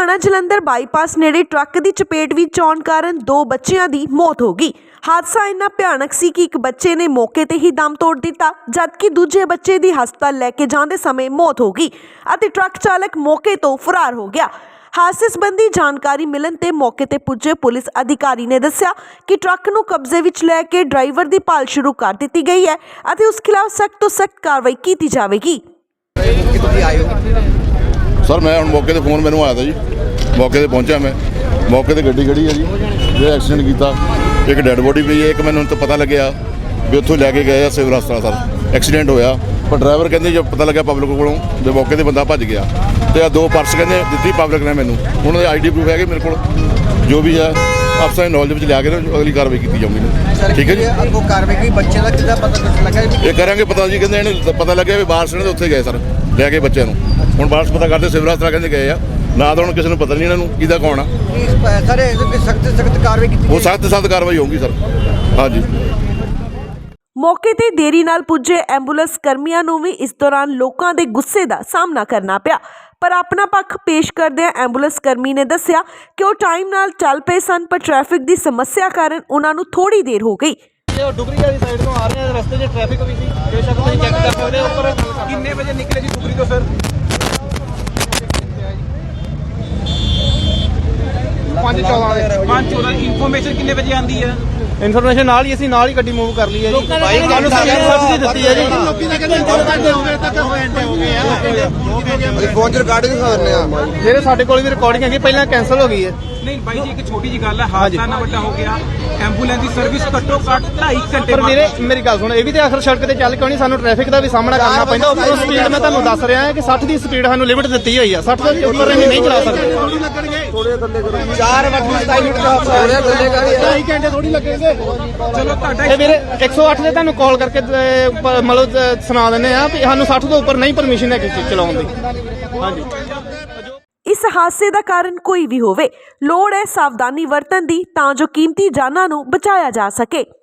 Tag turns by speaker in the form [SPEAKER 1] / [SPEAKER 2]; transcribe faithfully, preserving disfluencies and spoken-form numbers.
[SPEAKER 1] Ludhiana Jalandhar bypass नेड़े truck की चपेट विच आउण कारण दो बच्चियां दी मौत हो गई। हादसा इन्ना भयानक सी कि एक बच्चे ने मौके ते ही दम तोड़ दिता, जबकि दूजे बच्चे दी हस्पताल लैके जांदे समय मौत हो गई अते ट्रक चालक मौके तो फरार हो गया। हादसे संबंधी जानकारी मिलण ते मौके ते पुज्जे पुलिस अधिकारी ने दस्सिया कि ट्रक नूं कब्जे विच लैके ड्राइवर दी भाल शुरू कर दित्ती गई है अते उस खिलाफ सख्त तो सख्त कार्रवाई की जाएगी।
[SPEAKER 2] सर मैं हम मौके ते फोन मैनू आया था जी, मौके ते पहुंचा मैं, मौके ते गड्डी खड़ी है जी जो एक्सीडेंट किया। एक डेड बॉडी पई है, एक मैनू तो पता लग्या भी उत्थों लैके गए सिविल हस्पताल सर एक्सीडेंट होया, पर ड्राइवर कहते जो पता लग्या पब्लिक कोलों जो मौके ते बंदा भज गया। तो दो पर्स कहते दित्ती पब्लिक ने मैनू, उन्होंने आई डी प्रूफ है मेरे को, जो भी है अफसर नॉलेज में लिया के अगली कार्रवाई की जाऊगी। ठीक है जी,
[SPEAKER 3] आपको कार्रवाई की बच्चे का कितना पता लगा
[SPEAKER 2] ये करेंगे पता जी, कहते इन्हें पता लग्या भी बाहर से उत्थे गए सर लैके बच्चे नूं, हुण बाहर पता करते सिविल हस्पताल कहते गए आ ना, तो हुण किसी नूं पता नहीं इन्हों किहदा कौन आ
[SPEAKER 3] सर। सख्त सख्त कार्रवाई की
[SPEAKER 2] वो सख्त सख्त कार्रवाई होगी सर। हाँ जी।
[SPEAKER 1] मौके ते देरी नाल पुजे एंबूलेंस कर्मियों नूं भी इस दौरान लोकां दे गुस्से दा सामना करना पिया, पर अपना पक्ष पेश करदे एंबूलेंस कर्मी ने दस्सिया कि वो टाइम नाल चल पे सन, पर ट्रैफिक दी समस्या कारण उन्हां नूं थोड़ी देर हो गई।
[SPEAKER 4] डुगरी वाली साइड तो आ रहे हैं, रस्ते 'ਚ ट्रैफिक भी सी, बेशक ਤੁਸੀਂ ਚੈੱਕ ਕਰ ਸਕਦੇ ਹੋ। ਉੱਪਰ ਕਿੰਨੇ ਵਜੇ ਨਿਕਲੇ ਜੀ ਡੁਗਰੀ ਤੋਂ ਸਰ? ਪੰਜ ਚੌਦਾਂ ਪੰਜ ਚੌਦਾਂ ਇਨਫੋਰਮੇਸ਼ਨ ਕਿੰਨੇ ਵਜੇ ਆਂਦੀ ਹੈ? ਇਨਫੋਰਮੇਸ਼ਨ ਨਾਲ ਹੀ ਅਸੀਂ ਨਾਲ ਹੀ ਗੱਡੀ ਮੂਵ ਕਰ ਲਈ ਹੈ ਜੀ। ਬਾਈ ਸਾਨੂੰ ਸਬਸਿਡੀ ਦਿੱਤੀ ਹੈ ਜੀ। ਲੋਕੀ ਤਾਂ ਕਹਿੰਦੇ ਘੰਟੇ ਹੋ ਗਏ ਤੱਕ ਘੰਟੇ ਹੋ ਗਏ ਆ।
[SPEAKER 3] ਅਸੀਂ ਫੋਨ 'ਚ ਰਿਕਾਰਡਿੰਗ ਕਰਨੇ ਆ
[SPEAKER 4] ਜਿਹੜੇ ਸਾਡੇ ਕੋਲ ਵੀ ਰਿਕਾਰਡਿੰਗ ਹੈਗੀ, ਪਹਿਲਾਂ ਕੈਂਸਲ ਹੋ ਗਈ ਹੈ।
[SPEAKER 5] नहीं भाई जी, एक छोटी जी गल है, हादसा ना बड़ा हो गया, एंबूलेंस की सर्विस घट्टो घट ढाई घंटे
[SPEAKER 4] पर मेरे मेरी गल सुनो, ये भी तो आखिर सड़क ते चल के नहीं सानू ट्रैफिक का भी सामना करना पैंदा। उपर स्पीड मैं तुहानू दस रहा है कि साठ की स्पीड सानू लिमिट दी हुई है, साठ तो उपर नहीं चला सकते।
[SPEAKER 3] चार वक्त सताई मिनट का ढाई घंटे थोड़ी लगेंगे।
[SPEAKER 5] चलो तुहाडा
[SPEAKER 4] ये मेरे एक सौ अठ से तुहानू कॉल करके मतलब सुना देने आ भी सानू साठ तो उपर नहीं परमिशन है चलाउण दी। हाँ जी।
[SPEAKER 1] इस हादसे का कारण कोई भी होवे, लोड़ है सावधानी वरतन दी तां जो कीमती जानां नूं बचाया जा सके।